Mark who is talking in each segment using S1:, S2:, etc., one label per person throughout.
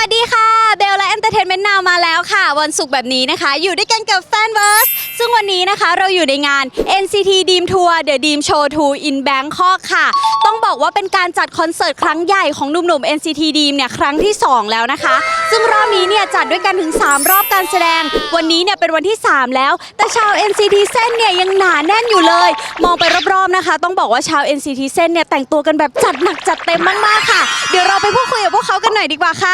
S1: ดีค่ะเบลและ Entertainment Now มาแล้วค่ะวันศุกร์แบบนี้นะคะอยู่ด้วยกันกับ Fanverse ซึ่งวันนี้นะคะเราอยู่ในงาน NCT Dream Tour The Dream Show 2 in Bangkok ค่ะต้องบอกว่าเป็นการจัดคอนเสิร์ตครั้งใหญ่ของหนุ่มๆ NCT Dream เนี่ยครั้งที่2แล้วนะคะซึ่งรอบนี้เนี่ยจัดด้วยกันถึง3รอบการแสดงวันนี้เนี่ยเป็นวันที่3แล้วแต่ชาว NCT เส้นเนี่ยยังหนาแน่นอยู่เลยมองไปรอบๆนะคะต้องบอกว่าชาว NCT เส้นเนี่ยแต่งตัวกันแบบจัดหนักจัดเต็มมากๆค่ะเดี๋ยวเราไปพูดคุยกับพวกเขากันหน่อยดีกว่าค่ะ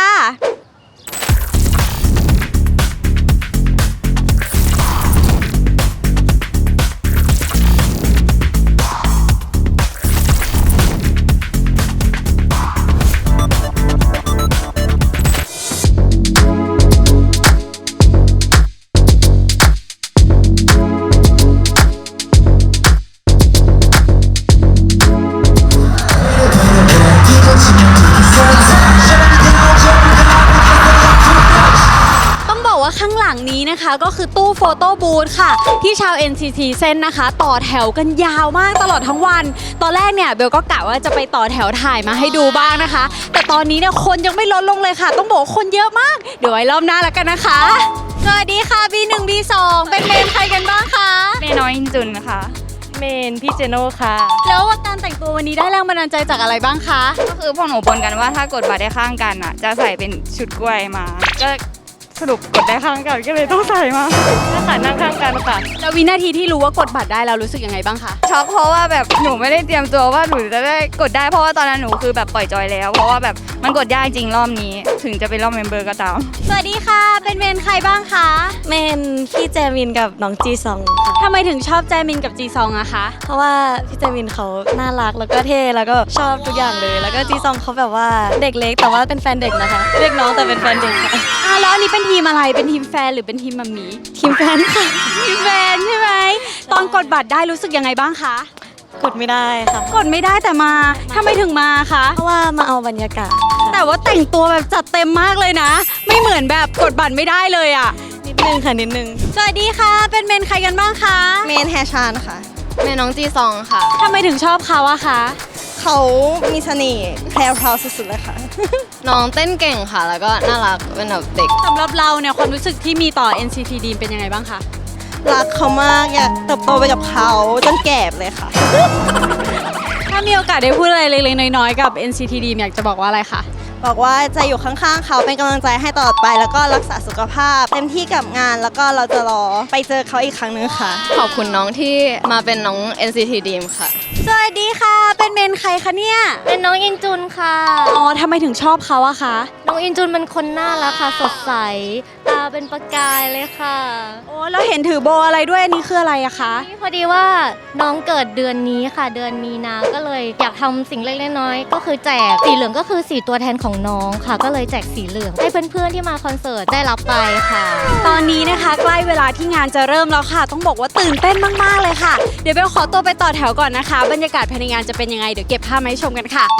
S1: ข้างหลังนี้นะคะก็คือตู้โฟโต้บูธค่ะที่ชาว NCT เส้นนะคะต่อแถวกันยาวมากตลอดทั้งวันตอนแรกเนี่ยเบลก็กะว่าจะไปต่อแถวถ่ายมาให้ดูบ้างนะคะแต่ตอนนี้เนี่ยคนยังไม่ลดลงเลยค่ะต้องบอกคนเยอะมากเดี๋ยวไว้รอบหน้าแล้วกันนะคะสวัสดีค่ะ B1 B2 เป็นเมนใครกันบ้างคะ
S2: เมน้อยอินจุนค่ะ
S3: เมนพี่เจโน่ค่ะ
S1: แล้วว่าการแต่งตัววันนี้ได้แรงบันดาลใจจากอะไรบ้างคะ
S2: ก็คือพวกหนูบนกันว่าถ้ากดบัตรได้ข้างกันอ่ะจะใส่เป็นชุดกล้วยมาก็สรุปกดได้ข้างกันก็เลยต้องใส่มา
S3: ถ้าขานั่งข้างกันค่ะ
S1: แล้ววินาทีที่รู้ว่ากดบัตรได้แล้วรู้สึกยังไงบ้างคะ
S2: ช็อกเพราะว่าแบบหนูไม่ได้เตรียมตัวว่าหนูจะได้กดได้เพราะว่าตอนนั้นหนูคือแบบปล่อยจอยแล้วเพราะว่าแบบมันกดยากจริงรอบนี้ถึงจะเป็นรอบเมมเบอร์ก็ตาม
S1: สวัสดีค่ะเป็นเมนใครบ้างคะ
S3: เมนพี่แจมินกับน้องจีซองค่ะ
S1: ทำไมถึงชอบแจมินกับจีซองอะคะ
S3: เพราะว่าพี่แจมินเขาน่ารักแล้วก็เท่แล้วก็ชอบทุกอย่างเลยแล้วก็จีซองเขาแบบว่าเด็กเล็กแต่ว่าเป็นแฟนเด็กนะคะเรียกน้องแต่เป็นแฟนเด็กค่ะ
S1: แล้วอันนี้เป็นทีมอะไรเป็นทีมแฟนหรือเป็นทีมมัมมี่
S3: ทีมแฟนค่ะ
S1: ทีมแฟนใช่ไหมตอนกดบัตรได้รู้สึกยังไงบ้างคะ
S3: กดไม่ได้ค่ะ
S1: กดไม่ได้แต่มาทำไมถึงมาคะ
S3: เพราะว่ามาเอาบรรยากาศ
S1: แต่ว่าแต่งตัวแบบจัดเต็มมากเลยนะไม่เหมือนแบบกดบัตรไม่ได้เลยอ่ะ
S3: นิดนึงค่ะนิดนึง
S1: สวัสดีค่ะเป็นเมนใครกันบ้างคะ
S3: เมนแฮชานค่ะ
S2: เมนน้องจีซองค่ะ
S1: ทำไมถึงชอบเขาอะคะ
S3: เขามีเสน่ห์แพรวๆสุดๆเลยค่ะ
S2: น้องเต้นเก่งค่ะแล้วก็น่ารักเป็นแบบเด็ก
S1: สำหรับเราเนี่ยความรู้สึกที่มีต่อ NCT Dream เป็นยังไงบ้างคะ
S3: รักเขามากอยากเติบโตไปกับเขาจนแก่เลยค่ะ
S1: ถ้ามีโอกาสได้พูดอะไรเล็กๆน้อยๆกับ NCT Dream อยากจะบอกว่าอะไรคะ
S3: บอกว่าจะอยู่ข้างๆเขาเป็นกำลังใจให้ตลอดไปแล้วก็รักษาสุขภาพเต็มที่กับงานแล้วก็เราจะรอไปเจอเขาอีกครั้งนึงค่ะ
S2: ขอบคุณน้องที่มาเป็นน้อง NCT Dream ค่ะ
S1: สวัสดีค่ะเป็นเมนใครคะเนี่ย
S4: เป็นน้องอินจุนค่ะ
S1: อ๋อทำไมถึงชอบเขาอะคะ
S4: น้องอินจุนเป็นคนน่ารักค่ะสดใสตาเป็นประกายเลยค่ะ
S1: โอ้แล้วเห็นถือโบอะไรด้วยอันนี้คืออะไรอะคะ
S4: พอดีว่าน้องเกิดเดือนนี้ค่ะเดือนมีนาก็เลยอยากทำสิ่งเล็กๆน้อยๆก็คือแจกสีเหลืองก็คือสีตัวแทนของน้องค่ะก็เลยแจกสีเหลืองให้เพื่อนๆที่มาคอนเสิร์ตได้รับไปค่ะ
S1: ตอนนี้นะคะใกล้เวลาที่งานจะเริ่มแล้วค่ะต้องบอกว่าตื่นเต้นมากๆเลยค่ะเดี๋ยวเบลขอตัวไปต่อแถวก่อนนะคะบรรยากาศภายในงานจะเป็นยังไงเดี๋ยวเก็บภาพมาให้ชมกันค่ะ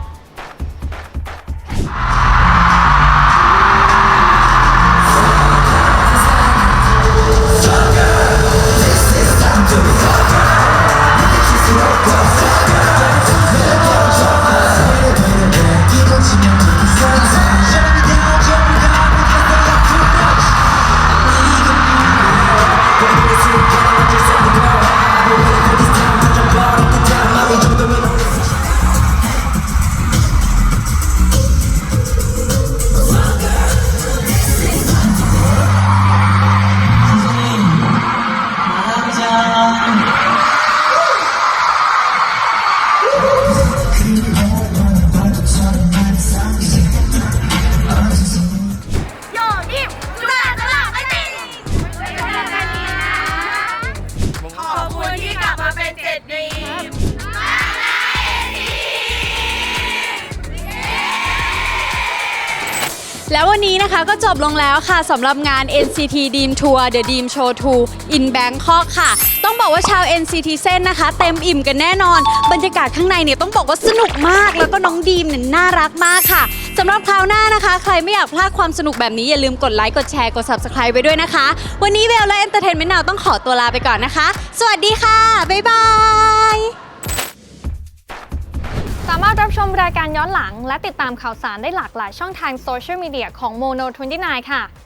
S1: แล้ววันนี้นะคะก็จบลงแล้วค่ะสำหรับงาน NCT Dream Tour The Dream Show 2 in Bangkok ค่ะต้องบอกว่าชาว NCT เส้นนะคะเต็มอิ่มกันแน่นอนบรรยากาศข้างในเนี่ยต้องบอกว่าสนุกมากแล้วก็น้องดีมเนี่ยน่ารักมากค่ะสำหรับคราวหน้านะคะใครไม่อยากพลาดความสนุกแบบนี้อย่าลืมกดไลค์กดแชร์กด Subscribe ไปด้วยนะคะวันนี้เบลและ Entertainment Now ต้องขอตัวลาไปก่อนนะคะสวัสดีค่ะบ๊ายบาย
S5: สามารถรับชมรายการย้อนหลังและติดตามข่าวสารได้หลากหลายช่องทางโซเชียลมีเดียของ Mono 29 ค่ะ